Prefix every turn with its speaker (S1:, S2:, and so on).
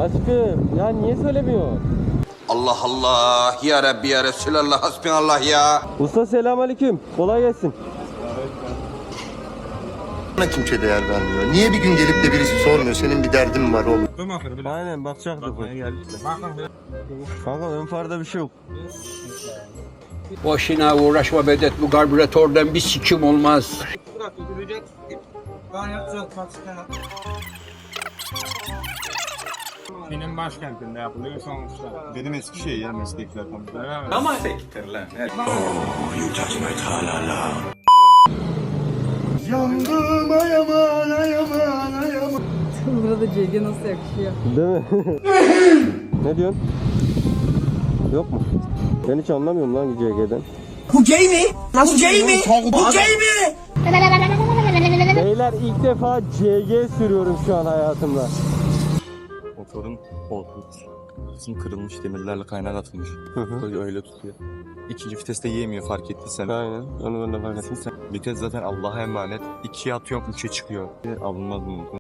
S1: Aşkım ya niye söylemiyorsun?
S2: Allah Allah ya Rabbi ya Resulallah hasbinallah ya.
S1: Usta selamünaleyküm. Kolay gelsin.
S3: Bana kimse değer vermiyor. Niye bir gün gelip de birisi sormuyor? Senin bir derdin mi var oğlum?
S1: Aynen bakacaktık. Kanka ön farda bir şey yok.
S4: Boşuna uğraşma Vedat, bu karbüratörden bir sikim olmaz.
S5: Benim başkentinde yapılıyor sonuçta.
S3: Benim Eskişehir ya meslekler konuda.
S4: Ama sektir lan.
S3: Yandım ayaman ayaman ayaman.
S6: Burada CG nasıl yakışıyor?
S1: Değil mi? Ne diyorsun? Yok mu? Ben hiç anlamıyorum lan CG'den.
S7: Bu gay mi? Nasıl gay mi? Bu gay mi?
S1: Beyler ilk defa CG sürüyorum şu an hayatımda.
S8: Motorun kısmı kırılmış, demirlerle kaynak atılmış. Öyle tutuyor. İkinci viteste yiyemiyor, fark ettiysen.
S1: Aynen onu ben de fark ettim.
S8: Vites zaten Allah'a emanet. 2'ye atıyorum 3'e çıkıyor. Alınmaz mı?